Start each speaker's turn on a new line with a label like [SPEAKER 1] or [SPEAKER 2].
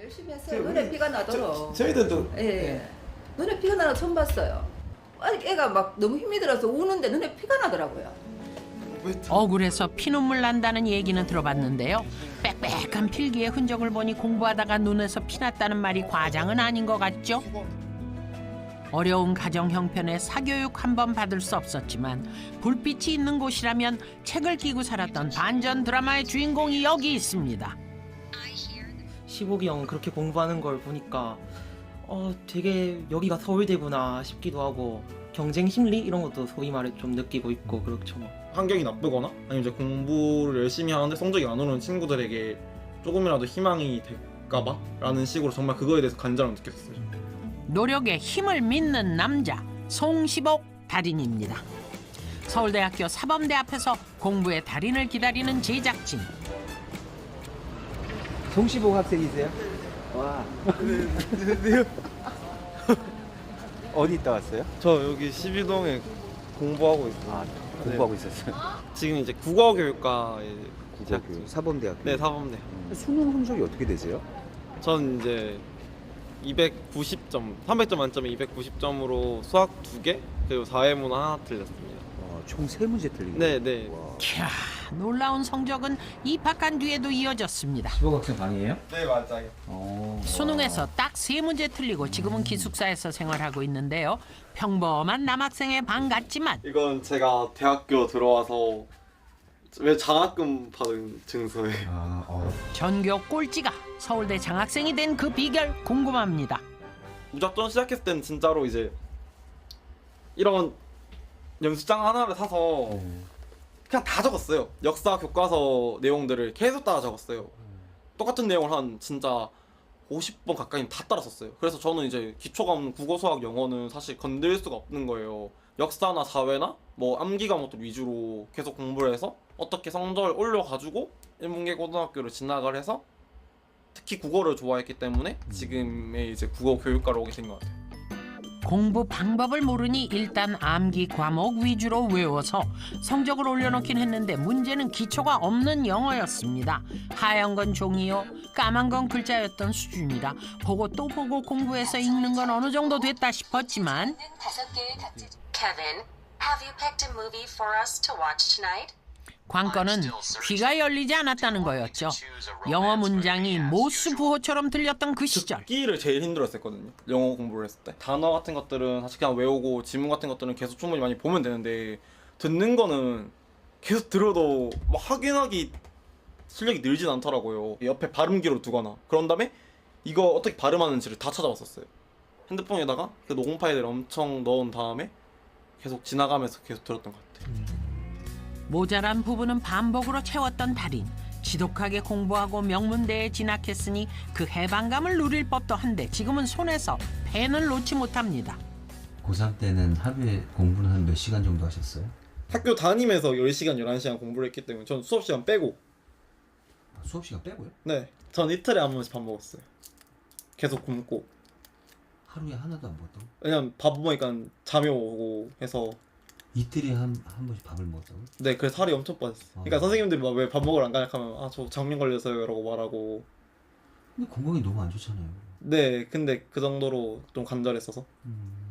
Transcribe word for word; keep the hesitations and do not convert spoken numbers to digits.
[SPEAKER 1] 열심히 했어요. 눈에 피가 나도록.
[SPEAKER 2] 저, 저희들도
[SPEAKER 1] 예.
[SPEAKER 2] 예.
[SPEAKER 1] 눈에 피가 나는 거 처음 봤어요. 아직 애가 막 너무 힘이 들어서 우는데 눈에 피가 나더라고요.
[SPEAKER 3] 억울해서 피눈물 난다는 얘기는 들어봤는데요. 빽빽한 필기의 흔적을 보니 공부하다가 눈에서 피났다는 말이 과장은 아닌 것 같죠? 어려운 가정 형편에 사교육 한 번 받을 수 없었지만 불빛이 있는 곳이라면 책을 끼고 살았던 반전 드라마의 주인공이 여기 있습니다.
[SPEAKER 4] 시복이 형 그렇게 공부하는 걸 보니까 어 되게 여기가 서울대구나 싶기도 하고 경쟁 심리 이런 것도 소위 말해 좀 느끼고 있고 그렇죠. 뭐.
[SPEAKER 5] 환경이 나쁘거나 아니면 이제 공부를 열심히 하는데 성적이 안 오르는 친구들에게 조금이라도 희망이 될까봐 라는 식으로 정말 그거에 대해서 간절함을 느꼈어요.
[SPEAKER 3] 노력에 힘을 믿는 남자 송시복 달인입니다. 서울대학교 사범대 앞에서 공부의 달인을 기다리는 제작진.
[SPEAKER 2] 송시복 학생이세요? 와.
[SPEAKER 6] 네.
[SPEAKER 2] 어디 있다 왔어요?
[SPEAKER 6] 저 여기 십이동에 공부하고 있어요.
[SPEAKER 2] 아, 공부하고 있었어요.
[SPEAKER 6] 지금 이제 국어교육과에 이제
[SPEAKER 2] 국어교육 사범대학교.
[SPEAKER 6] 네, 사범대.
[SPEAKER 2] 수능 성적이 어떻게 되세요?
[SPEAKER 6] 전 이제 이백구십 점, 삼백 점 만점에 이백구십 점으로 수학 두 개, 그리고 사회문화 하나 틀렸습니다.
[SPEAKER 2] 어, 총 세 문제 틀린
[SPEAKER 6] 네,
[SPEAKER 2] 거예요?
[SPEAKER 6] 네.
[SPEAKER 2] 와.
[SPEAKER 3] 캬, 놀라운 성적은 입학한 뒤에도 이어졌습니다.
[SPEAKER 2] 시복 학생 반이에요?
[SPEAKER 6] 네, 맞아요.
[SPEAKER 2] 어.
[SPEAKER 3] 수능에서 딱 세 문제 틀리고 지금은 기숙사에서 생활하고 있는데요. 평범한 남학생의 반 같지만
[SPEAKER 6] 이건 제가 대학교 들어와서 왜 장학금 받은 증서예요.
[SPEAKER 2] 아, 어.
[SPEAKER 3] 전교 꼴찌가 서울대 장학생이 된 그 비결 궁금합니다.
[SPEAKER 6] 무작정 시작했을 때는 진짜로 이제 이런 연습장 하나를 사서
[SPEAKER 2] 어.
[SPEAKER 6] 그냥 다 적었어요. 역사 교과서 내용들을 계속 따라 적었어요. 똑같은 내용을 한 진짜 오십 번 가까이 다 따라 썼어요. 그래서 저는 이제 기초가 없는 국어, 수학, 영어는 사실 건들 수가 없는 거예요. 역사나 사회나 뭐 암기 과목들 위주로 계속 공부를 해서 어떻게 성적을 올려가지고 인문계 고등학교를 진학을 해서 특히 국어를 좋아했기 때문에 지금의 이제 국어 교육과로 오게 된 것 같아요.
[SPEAKER 3] 공부 방법을 모르니 일단 암기 과목 위주로 외워서 성적을 올려놓긴 했는데 문제는 기초가 없는 영어였습니다. 하얀 건 종이요, 까만 건 글자였던 수준이라 보고 또 보고 공부해서 읽는 건 어느 정도 됐다 싶었지만
[SPEAKER 7] Kevin, have you picked a movie for us to watch tonight?
[SPEAKER 3] 관건은 귀가 열리지 않았다는 거였죠. 영어 문장이 모스 부호처럼 들렸던 그 시절.
[SPEAKER 6] 듣기를 제일 힘들었었거든요. 영어 공부를 했을 때 단어 같은 것들은 사실 그냥 외우고 지문 같은 것들은 계속 충분히 많이 보면 되는데 듣는 거는 계속 들어도 막 확인하기 실력이 늘진 않더라고요. 옆에 발음기로 두거나 그런 다음에 이거 어떻게 발음하는지를 다 찾아봤었어요. 핸드폰에다가 그 녹음 파일을 엄청 넣은 다음에 계속 지나가면서 계속 들었던 것 같아요.
[SPEAKER 3] 모자란 부분은 반복으로 채웠던 달인. 지독하게 공부하고 명문대에 진학했으니 그 해방감을 누릴 법도 한데 지금은 손에서 펜을 놓지 못합니다.
[SPEAKER 8] 고삼 때는 하루에 공부는 한 몇 시간 정도 하셨어요?
[SPEAKER 6] 학교 다니면서 열 시간, 열한 시간 공부를 했기 때문에 전 수업 시간 빼고
[SPEAKER 8] 수업 시간 빼고요?
[SPEAKER 6] 네, 전 이틀에 한 번씩 밥 먹었어요. 계속 굶고.
[SPEAKER 8] 하루에 하나도 안 먹었다고?
[SPEAKER 6] 왜냐면 밥 먹으니까 잠이 오고 해서.
[SPEAKER 8] 이틀에 한, 한 번씩 밥을 먹었다고?
[SPEAKER 6] 네, 그래서 살이 엄청 빠졌어요. 그러니까
[SPEAKER 8] 아.
[SPEAKER 6] 선생님들이 막 왜 밥 먹으러 안 가냐 하면 아, 저 장염 걸려서요 라고 말하고.
[SPEAKER 8] 근데 건강이 너무 안 좋잖아요.
[SPEAKER 6] 네, 근데 그 정도로 좀 간절했어서.
[SPEAKER 8] 음.